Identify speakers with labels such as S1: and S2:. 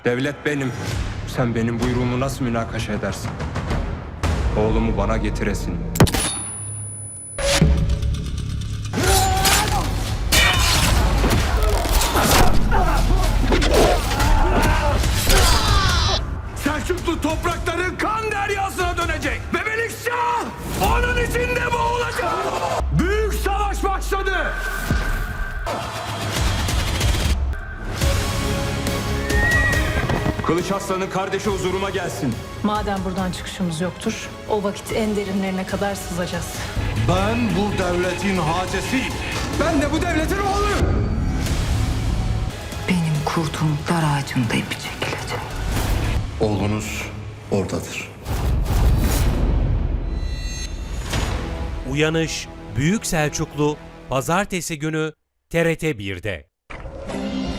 S1: Devlet benim. Sen benim buyruğumu nasıl münakaşa edersin? Oğlumu bana getiresin. Selçuklu toprakların kan deryasına dönecek. Ve Melikşah onun içinde boğulacak. Büyük savaş başladı. Kılıç Aslan'ın kardeşi huzuruma gelsin.
S2: Madem buradan çıkışımız yoktur, o vakit en derinlerine kadar sızacağız.
S3: Ben bu devletin hacesiyim.
S1: Ben de bu devletin oğluyum.
S4: Benim kurduğum dar ağacımda ipi çekilecek.
S3: Oğlunuz oradadır.
S5: Uyanış Büyük Selçuklu Pazartesi günü TRT 1'de.